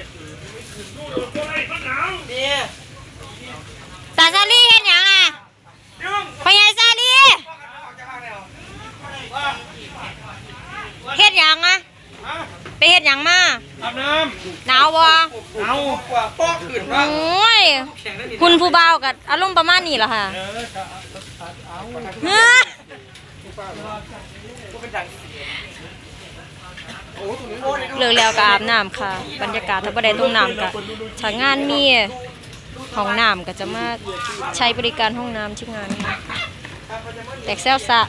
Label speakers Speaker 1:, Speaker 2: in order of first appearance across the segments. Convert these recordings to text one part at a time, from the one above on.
Speaker 1: ตาซาลี่เห็นยังอ่ะพญายซาลี่เฮ็ดยังอ่ะไปเฮ็ดยังมา
Speaker 2: อาบน้ำ
Speaker 1: หนาวบ่
Speaker 2: หนาวกว่าป้อขืนว่า
Speaker 1: โอ้ยคุณผู้บ่าวกับอารมณ์ประมาณนี้เหรอค่ะเลิกแล้วก็อาบน้ำค่ะบรรยากาศถ้าบ่ได้ทุ่งน้ำก็ถ้างานมีห้องน้ำก็จะมาใช้บริการห้องน้ำที่งานแตกแซวซะ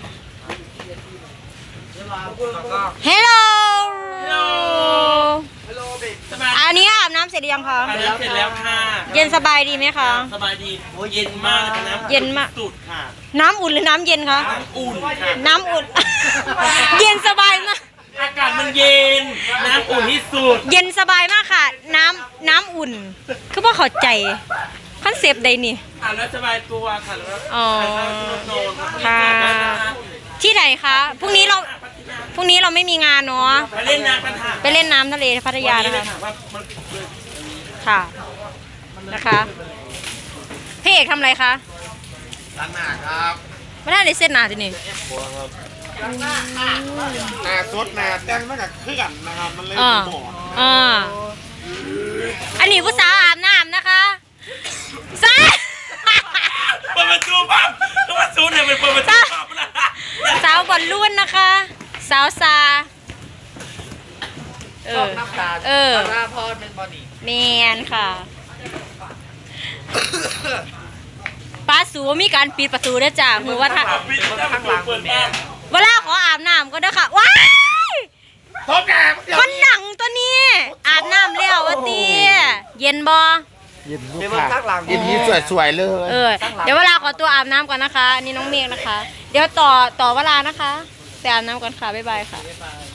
Speaker 1: ฮัลโหลอันนี้อาบน้ำเสร็จหรือยังคะ
Speaker 2: เสร็จแล้วค่ะ
Speaker 1: เย็นสบายดีไหมคะ
Speaker 2: สบายดีโอ้เย็นมากนะ
Speaker 1: เย็นมาก
Speaker 2: สุดค่ะ
Speaker 1: น้ำอุ่นหรือน้ำเย็นคะ
Speaker 2: น้ำอุ่นค่ะ
Speaker 1: น้ำอุ่นเย็นสบายมาก
Speaker 2: อากาศมันเย็นน้ำอุ่นที่สุด
Speaker 1: เย็นสบายมากค่ะน้ำอุ่นคือว่าเข้าใจคอนเซปต์ใดนี่
Speaker 2: แล้วสบายตัวค่ะแล้ว
Speaker 1: อ๋อค่ะที่ไหนคะพรุ่งนี้เราไม่มีงานเนาะ
Speaker 2: ไปเล่นน้ำกันค่ะ
Speaker 1: ไปเล่นน้ำทะเลพัทยานะคะค่ะนะคะพี่เอกทำอะไรคะ
Speaker 2: ล้างหน้าครับ
Speaker 1: ไม่ได้เลยเส้นหนาจีนี่
Speaker 2: หน้าสดหน้าแดงมันกับเคลื่อนนะครับมันเลยหมอ
Speaker 1: อันนี้ผู้สาวอาบน้ำนะคะสาว
Speaker 2: เปิดประตูปั๊บต้องมาซูนเนี่ยเป็นเปิดประตูปั๊บนะ
Speaker 1: สาวบอลลุ่นนะคะสาวซา
Speaker 2: น้ำตาลาพอเป็นบอดี้
Speaker 1: แมนค่ะป้าสูมีการปิดประตูด้วยจ้ะมือว่าทาง
Speaker 2: หลัง
Speaker 1: เวลาขออาบน้ำก็ได้ค่ะว้ายคนหนังตัวนี้อาบน้ำแล้ววะตีเย็นบ่
Speaker 3: เย็นลูกค่ะเย็นนี้สวยๆเลย
Speaker 1: เดี๋ยวเวลาขอตัวอาบน้ำก่อนนะคะนี่น้องเมฆนะคะเดี๋ยวต่อเวลานะคะไปอาบน้ำก่อนค่ะบ๊ายบายค่ะ